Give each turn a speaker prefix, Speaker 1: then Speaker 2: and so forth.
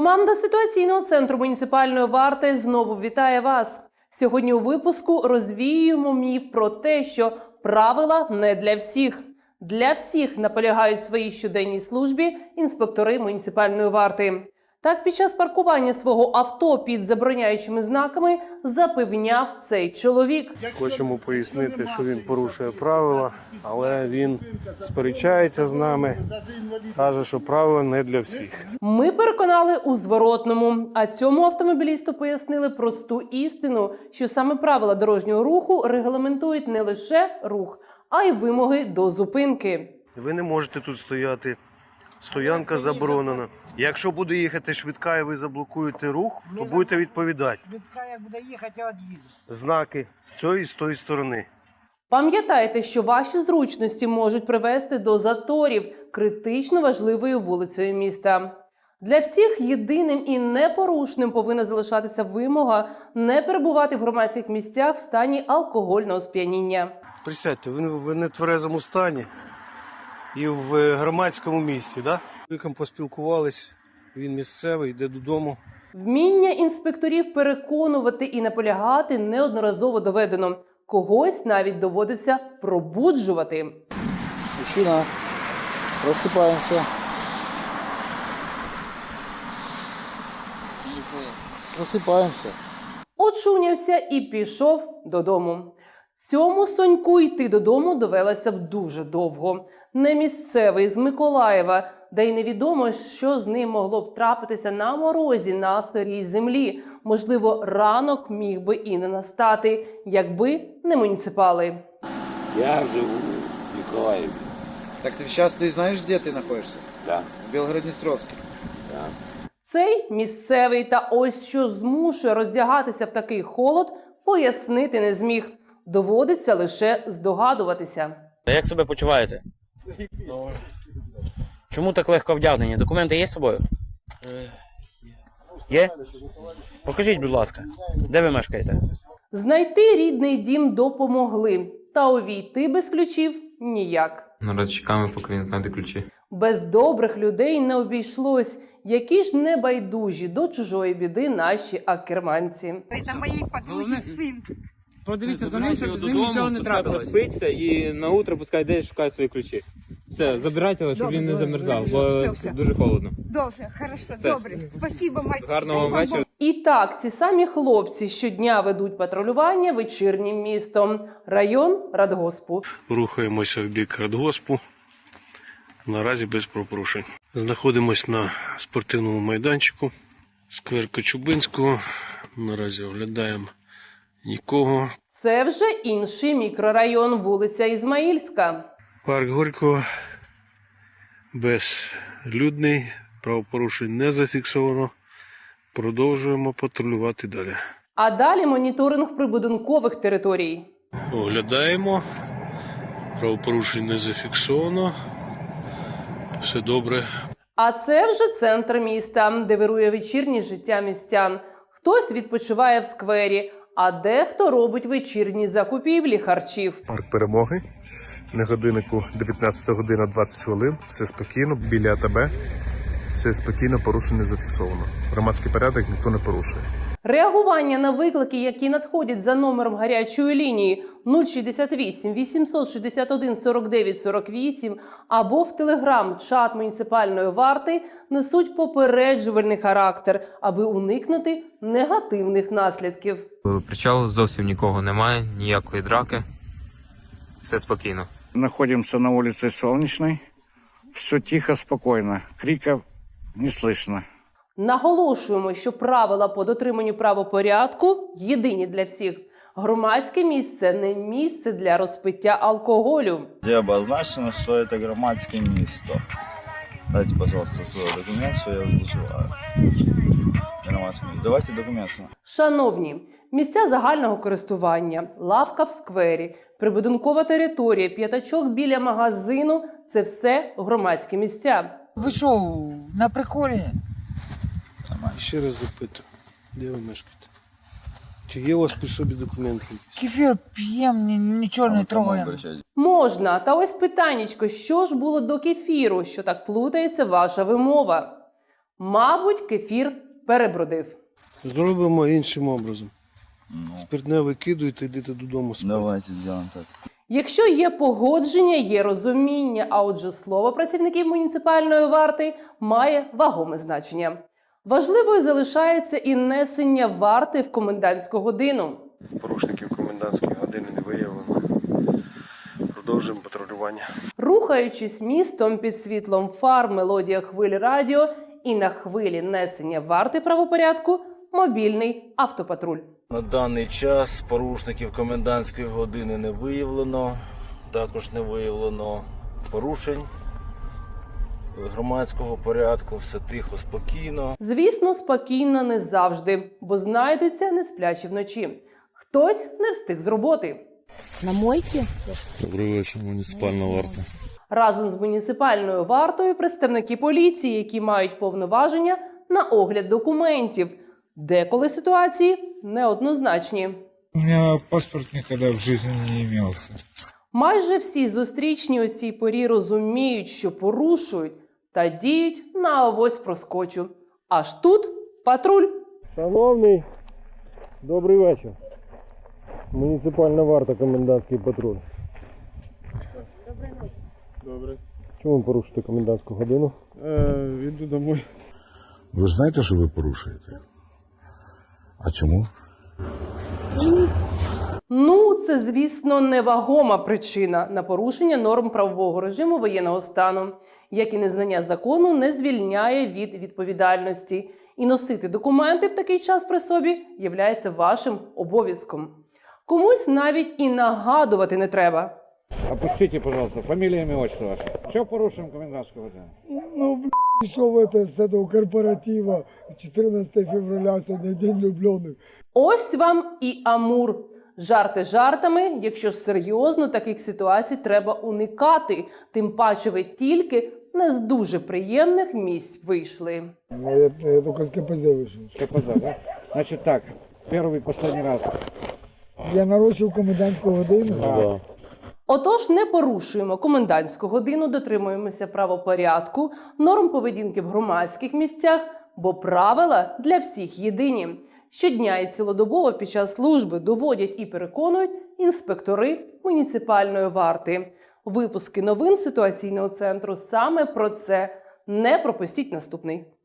Speaker 1: Команда ситуаційного центру муніципальної варти знову вітає вас. Сьогодні у випуску розвіюємо міф про те, що правила не для всіх. Для всіх наполягають в своїй щоденній службі інспектори муніципальної варти. Так, під час паркування свого авто під забороняючими знаками запевняв цей чоловік.
Speaker 2: Хочемо пояснити, що він порушує правила, але він сперечається з нами, каже, що правила не для всіх.
Speaker 1: Ми переконали у зворотному, а цьому автомобілісту пояснили просту істину, що саме правила дорожнього руху регламентують не лише рух, а й вимоги до зупинки.
Speaker 2: Ви не можете тут стояти. Стоянка заборонена. Якщо буде їхати швидка і ви заблокуєте рух, то будете відповідати.
Speaker 3: Швидка як буде їхати, я від'їду.
Speaker 2: Знаки з цієї і з тої сторони.
Speaker 1: Пам'ятайте, що ваші зручності можуть привести до заторів критично важливою вулицею міста. Для всіх єдиним і непорушним повинна залишатися вимога не перебувати в громадських місцях в стані алкогольного сп'яніння.
Speaker 2: Присядьте, ви в нетверезому стані і в громадському місці, так? Віком поспілкувались, він місцевий, йде додому.
Speaker 1: Вміння інспекторів переконувати і наполягати неодноразово доведено. Когось навіть доводиться пробуджувати.
Speaker 4: Мужчина, просыпаемся. Просыпаемся.
Speaker 1: Очунявся і пішов додому. Цьому Соньку йти додому довелося б дуже довго. Не місцевий, з Миколаєва, да й невідомо, що з ним могло б трапитися на морозі на сирій землі. Можливо, ранок міг би і не настати, якби не муніципали.
Speaker 5: Я живу в Николаеве.
Speaker 6: Так сейчас ты знаешь, где ты находишься?
Speaker 5: Да.
Speaker 6: В Белгород-Днестровске.
Speaker 5: Да.
Speaker 1: Цей місцевий та ось що змушує роздягатися в такий холод, пояснити не зміг. Доводиться лише здогадуватися.
Speaker 7: Як себе почуваєте? Чому так легко вдягнені? Документи є з собою? Є? Покажіть, будь ласка, де ви мешкаєте?
Speaker 1: Знайти рідний дім допомогли, та увійти без ключів – ніяк.
Speaker 8: Наразі чекаємо, поки він знайде ключі.
Speaker 1: Без добрих людей не обійшлось. Які ж небайдужі до чужої біди наші акерманці.
Speaker 3: Це моєї подруги син.
Speaker 9: Подивіться за ним, щоб з ним нічого не трапилось. Спиться і на утро пускай йде і шукає свої ключі. Все, забирайте його, щоб він не замерзав, бо дуже холодно.
Speaker 3: Добре, хорошо, добре. Спасибо, мальчик.
Speaker 9: Гарного вам вечора.
Speaker 1: І так, ці самі хлопці щодня ведуть патрулювання вечірнім містом. Район Радгоспу.
Speaker 2: Рухаємося в бік Радгоспу. Наразі без правопорушень. Знаходимось на спортивному майданчику. Сквер Кочубинського. Наразі оглядаємо нікого.
Speaker 1: Це вже інший мікрорайон, вулиця Ізмаїльська.
Speaker 2: Парк Горького безлюдний, правопорушень не зафіксовано. Продовжуємо патрулювати далі.
Speaker 1: А далі моніторинг прибудинкових територій.
Speaker 2: Оглядаємо. Правопорушень не зафіксовано. Все добре.
Speaker 1: А це вже центр міста, де вирує вечірнє життя містян. Хтось відпочиває в сквері, а дехто робить вечірні закупівлі харчів.
Speaker 10: Парк Перемоги. На годиннику 19 година 20 хвилин. Все спокійно, біля АТБ. Все спокійно, порушень не зафіксовано. Громадський порядок ніхто не порушує.
Speaker 1: Реагування на виклики, які надходять за номером гарячої лінії 068 861 49 48 або в телеграм-чат муніципальної варти, несуть попереджувальний характер, аби уникнути негативних наслідків.
Speaker 8: Причалу зовсім нікого немає, ніякої драки. Все спокійно.
Speaker 4: Находимся на улице Солнечной. Все тихо, спокойно. Криков не слышно.
Speaker 1: Наголошуємо, що правила по дотриманню правопорядку єдині для всіх. Громадське місце – не місце для розпиття алкоголю.
Speaker 11: Где обозначено, что это громадское место. Дайте, пожалуйста, свой документ, что я вызываю. Давайте документ.
Speaker 1: Шановні, місця загального користування, лавка в сквері, прибудинкова територія, п'ятачок біля магазину – це все громадські місця.
Speaker 3: Ви що, на приколі?
Speaker 2: Ще раз запитую, де ви мешкаєте? Чи є у вас при собі документи?
Speaker 3: Кефір п'ємо, нічого не трогаємо.
Speaker 1: Можна. Та ось питаннячко, що ж було до кефіру, що так плутається ваша вимова? Мабуть, кефір перебродив.
Speaker 2: Зробимо іншим образом.
Speaker 11: Ну,
Speaker 2: Спиртне викидуєте, йдете додому спати.
Speaker 11: давайте сделаем так.
Speaker 1: Якщо є погодження, є розуміння, а отже слово працівників муніципальної варти має вагоме значення. Важливою залишається і несення варти в комендантську годину.
Speaker 2: Порушників комендантської години не виявлено. Продовжуємо патрулювання.
Speaker 1: Рухаючись містом під світлом фар, мелодія хвилі радіо і на хвилі несення варти правопорядку – мобільний автопатруль.
Speaker 5: На даний час порушників комендантської години не виявлено. Також не виявлено порушень громадського порядку. Все тихо, спокійно.
Speaker 1: Звісно, спокійно не завжди, бо знайдуться несплячі вночі. Хтось не встиг з роботи.
Speaker 3: На мойке?
Speaker 5: Добрий вечір, муніципальна варта.
Speaker 1: Разом з муніципальною вартою представники поліції, які мають повноваження на огляд документів. Деколи ситуації неоднозначні.
Speaker 3: У меня паспорт никогда в жизни не имелся.
Speaker 1: Майже всі зустрічні у цій порі розуміють, що порушують та діють на авось проскочу. Аж тут патруль.
Speaker 2: Шановний, добрий вечір. Муніципальна варта, комендантський патруль. Добре. Чому ви порушите комендантську годину? Іду домой.
Speaker 5: Ви ж знаєте, що ви порушуєте? А чому?
Speaker 1: Ну, це, звісно, невагома причина на порушення норм правового режиму воєнного стану, як і незнання закону не звільняє від відповідальності. І носити документи в такий час при собі являється вашим обов'язком. Комусь навіть і нагадувати не треба.
Speaker 4: Опустите, пожалуйста, фамилия, имя, отчество ваше. Что порушим комендантскую годину?
Speaker 3: Ну, пришел это с этого корпоратива 14 февраля, сегодня день влюбленных.
Speaker 1: Ось вам і Амур. Жарти жартами, якщо ж серйозно, таких ситуацій треба уникати. Тим паче ви тільки не з дуже приємних місць вийшли.
Speaker 3: Я только с КПЗ вышел.
Speaker 4: КПЗ, да? Значит так, первый и последний раз.
Speaker 3: Я нарушил комендантскую годину.
Speaker 4: Да.
Speaker 1: Отож, не порушуємо комендантську годину, дотримуємося правопорядку, норм поведінки в громадських місцях, бо правила для всіх єдині. Щодня і цілодобово під час служби доводять і переконують інспектори муніципальної варти. Випуски новин ситуаційного центру саме про це. Не пропустіть наступний.